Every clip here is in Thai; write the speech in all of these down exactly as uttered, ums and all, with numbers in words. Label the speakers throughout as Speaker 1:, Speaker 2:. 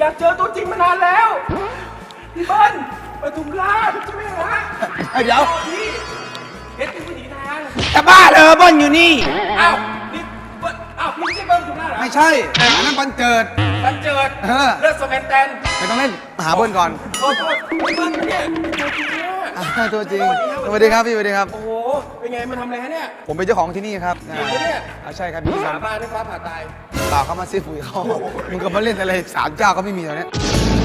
Speaker 1: อยากเจอตัวจริงมานานแล้วพี่เบิ้ลปทุมราชใช่ไหมฮะ
Speaker 2: เดี๋ยว
Speaker 1: พี่เฮ็ดเป็นผู้หญิงทาง
Speaker 2: จะบ้าเลยเบิ้ลอยู่นี่
Speaker 1: อ้าวนี่เบิ้ลอ้าวพี่ไม่ใช่เบิ้ลปทุมราชเหรอ
Speaker 2: ไม่ใช่อันนั้นบันเจิด
Speaker 1: บันเจิด
Speaker 2: เออ
Speaker 1: เลือดสแมนแตน
Speaker 2: ไม่ต้องเล่นหาเบิ้ลก่อน
Speaker 1: ขอโทษพี่เบิ้ลเนี่ยตัวจริงเนี่ย
Speaker 2: อ่าตัวจริงสวัสดีครับพี่สวัสดีครับ
Speaker 1: โอ้โหเป็นไงมาทำอะไรฮะเนี่ย
Speaker 2: ผมเป็นเจ้าของที่นี่ครับ
Speaker 1: จริงปะเนี่ย
Speaker 2: อ่าใช่ครับพี่
Speaker 1: สาบานให้ฟ้าผ่าตาย
Speaker 2: เปล่าเขามาซื้อปุ๋ยเขามึงก็มาเล่นอะไรสามเจ้าก็ไม่มีตอนนี้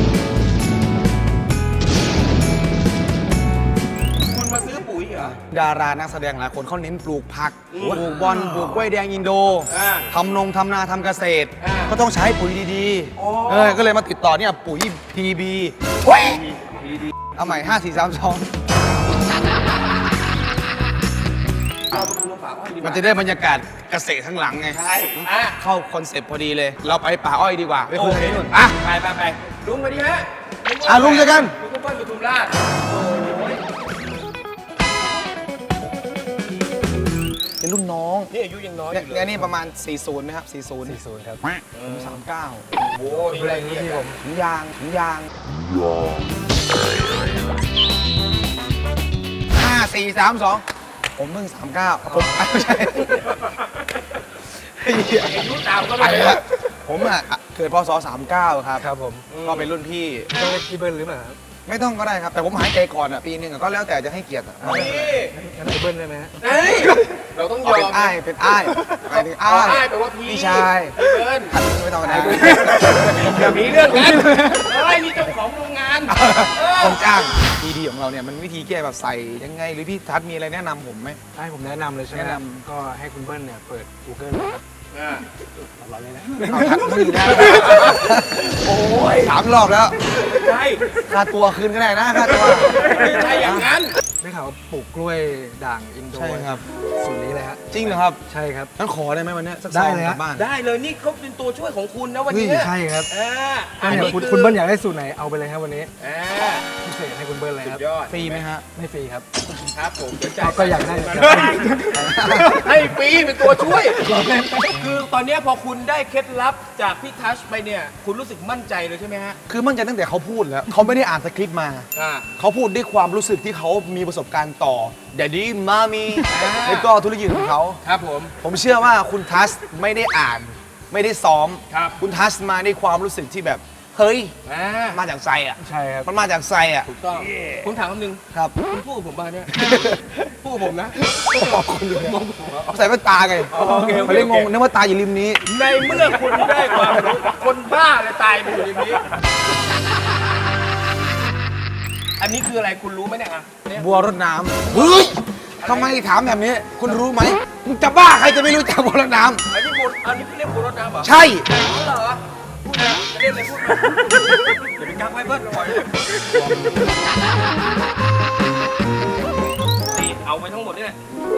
Speaker 1: คุณมาซื้อปุ๋ยเหรอ
Speaker 2: ดารานักแสดงหลายคนเขาเน้นปลูกผักปลูกบอลปลูกกล้วยแดงอินโด
Speaker 1: อ่า
Speaker 2: ทำนงทำนาทำเกษตร
Speaker 1: อ่า
Speaker 2: ก็ต้องใช้ปุ๋ยดี
Speaker 1: อ๋อ
Speaker 2: ๆเออก็เลยมาติดต่อเนี่ยปุ๋ย พี บี เว้ยเอาใหม่ห้า สี่ สาม สอง
Speaker 1: เราไปดูลงป่าอ้อยดีก
Speaker 2: มัน
Speaker 1: ว่า
Speaker 2: จะได้บรรยากาศเกษตรข้างหลังไง
Speaker 1: ใช่อ่ะ
Speaker 2: เข้าคอนเซ็ปต์พอดีเลย เราไปป่าอ้อยดีกว่า ไปคุย
Speaker 1: โอเค
Speaker 2: กันนู่นอ่ะ
Speaker 1: ไปไปไปลุงไปดีฮะ
Speaker 2: อ่ะลุงเจอกัน
Speaker 1: ลุงก็เปิ้ลปทุมราชโอ้ย
Speaker 2: เป็นรุ่นน้อง
Speaker 1: นี่อายุยังน้อยอ
Speaker 2: เนี่ย
Speaker 1: ยู่เล
Speaker 2: เนี่ย
Speaker 1: ย
Speaker 2: นี่ประมาณ สี่สิบไหมครับ สี่สิบ
Speaker 3: สี่ศูนย์ครับ
Speaker 2: ผมสามเก้า
Speaker 1: โอ้ยอะไรนี่ผม
Speaker 2: ถุงยางถุงยางห้า สี่ สาม สอง ผมเพิ่งสามเก้าผมไม่ใช่
Speaker 1: อายุตามก็
Speaker 2: ไป
Speaker 1: เลย
Speaker 2: แล้วผมอ่ะเกิดพศสามเก้าครับ
Speaker 3: ครับผม
Speaker 2: ก็เป็นรุ่นพี่
Speaker 3: ต้องเรียกพี่เบิ้ลหรือเปล่าครับ
Speaker 2: ไม่ต้องก็ได้ครับ แต่ผมหายใจก่อนอ่ะปีหนึงอะก็แล้วแต่จะให้เกียรติอะ
Speaker 1: นี่
Speaker 3: งั้นพี่เบิ้ลได้ไหมฮะ
Speaker 1: เฮ้ยเราต้องย
Speaker 2: เอา
Speaker 1: อ
Speaker 2: เป็น
Speaker 1: ม
Speaker 2: อ้ายเป็นอ้ายหมายถึง
Speaker 1: อ๋อ
Speaker 2: อ้าย
Speaker 1: อ้ายแปลว่าพี่
Speaker 2: พี่ชาย
Speaker 1: พี่เบิ้ล
Speaker 2: ไม่ต้องก็ได้
Speaker 1: อย่ามีเรื่องกันเฮ้ยนี่เจ้าของโรงงานเออ
Speaker 2: ต้องจ้างดีดีของเราเนี่ยมันวิธีแก้แบบใส่ยังไงหรือพี่ทัศน์มีอะไรแนะนำผมไหม
Speaker 3: ให้ผมแนะนำเลยใช่ไหม
Speaker 2: แนะน
Speaker 3: ก็ให้คุณเบิ้ลเนี่ยเปิด Google นะครับ
Speaker 1: อ่ะ
Speaker 3: เราเลยนะ
Speaker 2: เอาทัศน์ไม่อยู่ได้โอ้ยสามรอบแล้ว
Speaker 1: ใช่
Speaker 2: ค่าตัวคืนก็ได้นะค่าตัว
Speaker 1: ไม่ใช่อย่างนั้น
Speaker 3: ได้ข่าวว่าปลูกกล้วยด่างอินโด
Speaker 2: ใช่ครับ
Speaker 3: สูตรนี้เลยฮะ
Speaker 2: จริงเหรอครับ
Speaker 3: ใช่ครับ
Speaker 2: งั้นขอได้ไหมวันเนี้ยสัก
Speaker 3: ได้
Speaker 2: ซอง
Speaker 3: เลย
Speaker 2: ก
Speaker 3: ฮะ
Speaker 2: ลับบ้าน
Speaker 1: ได้เลยนี่เขาเป็นตัวช่วยของคุณนะวัน
Speaker 3: เฮ้ย
Speaker 1: นี้
Speaker 3: ใช่ครับ
Speaker 1: อ่า
Speaker 3: ก็เนี่ยคุณ
Speaker 1: อ
Speaker 3: คุณเบิ้ลอยากได้สูตรไหนเอาไปเลยครับวันนี้
Speaker 1: อ่า
Speaker 3: พิเศษให้คุณเบิ้ลเลย
Speaker 1: สุ
Speaker 3: ครับ
Speaker 1: ดยอด
Speaker 2: ฟรีไหมฮะ
Speaker 3: ไม่ฟรีครับ
Speaker 1: ครับผมเดี๋ยวจ่าย
Speaker 3: ก็อยากได้
Speaker 1: ให้ฟรีเป็นตัวช่วย คือตอนเนี้ยพอคุณได้เคล็ดลับจากพี่ทัชไปเนี่ย คุณรู้สึกมั่นใจเลยใช่ไหมฮะ
Speaker 2: คือมั่นใจตั้งแต่เขาพูดแล้วเขาไม่ได้อ่านสคริปต์มา
Speaker 1: อ่า
Speaker 2: เขาพูดด้วยความรู้สึกที่เขามีประสบการณ์ต่อแดดดี้มามี
Speaker 1: อ่า
Speaker 2: แล้วก็ธุรกิจของเขา
Speaker 1: ครับผม
Speaker 2: ผมเชื่อว่าคุณทัสไม่ได้อ่าน ไม่ได้ซ้อม
Speaker 1: ครับ
Speaker 2: คุณทัสมาด้วยความรู้สึกที่แบบ เฮ้ย
Speaker 1: อ่า
Speaker 2: มาจากใจอ่ะ
Speaker 3: ใช่ครับ
Speaker 2: มันมาจากใจอ่ะ
Speaker 1: ถูกต้องคุณถามคำหนึ่ง
Speaker 2: ครับ
Speaker 1: คุณพูดกับผมมาเนี่ยพูดกับผมนะ
Speaker 2: ขอบคุณเลยเอาใส่แว่นตาไง
Speaker 1: อ๋อโอเคโอเค
Speaker 2: เขาเรียกงงนึกว่าตาอยู่ริมนี้
Speaker 1: ในเมื่อคุณได้ความรู้คนบ้าเลยตายไปอยู่ในนี้ อันนี้คืออะไรคุณรู้ไหมเนี่ยอ่ะเนี่ย
Speaker 2: บัวรดน้ำเฮ้ยทำไมถามแบบนี้ คุณรู้ไหมมึงจะบ้าใครจะไม่รู้จักบัวรดน้
Speaker 1: อันนี้บุญอันนี้เรียกบุญรถน้ำเหรอ
Speaker 2: ำใช่
Speaker 1: อ๋อเหรอพูดนะจะเรียกอะไรพูดมาอย่าไปกักไว้เบิ้ลปล่อยนี่เอาไปทั้งหมดนี่แหละ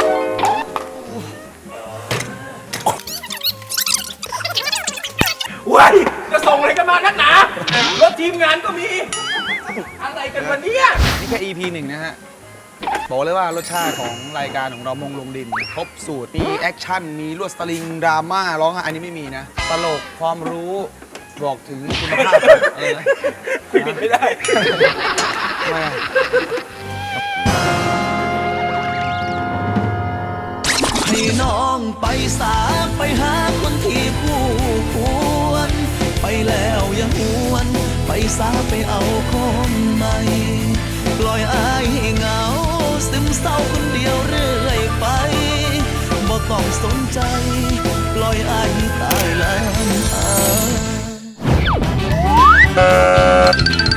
Speaker 1: ว้ายจะส่งอะไรกันมานักหนารถทีมงานก็มี อะไรกันวันนี้
Speaker 2: นี่แค่ อี พี หนึ่งนะฮะ บอกเลยว่ารสชาติของรายการของเรามงลงดิน ครบสูตร มีแอคชั่น มีลวดสลิง ดราม่า ร้องไห้อันนี้ไม่มีนะ ตลก ความรู้ บอกถึงคุณภาพอะไรนะ
Speaker 1: คุยผิดไม่ได้
Speaker 2: ทำไมอะ
Speaker 4: ให้น้องไปสาไปหาคนที่ผู้ควร ไปแล้วอย่าหวน ไปสาไปเอาคนใหม่ ปล่อยอายให้เหงาซึมเศร้าคนเดียวเรื่อยไปบ่ต้องสนใจ ปล่อยอายให้ตายแล้ว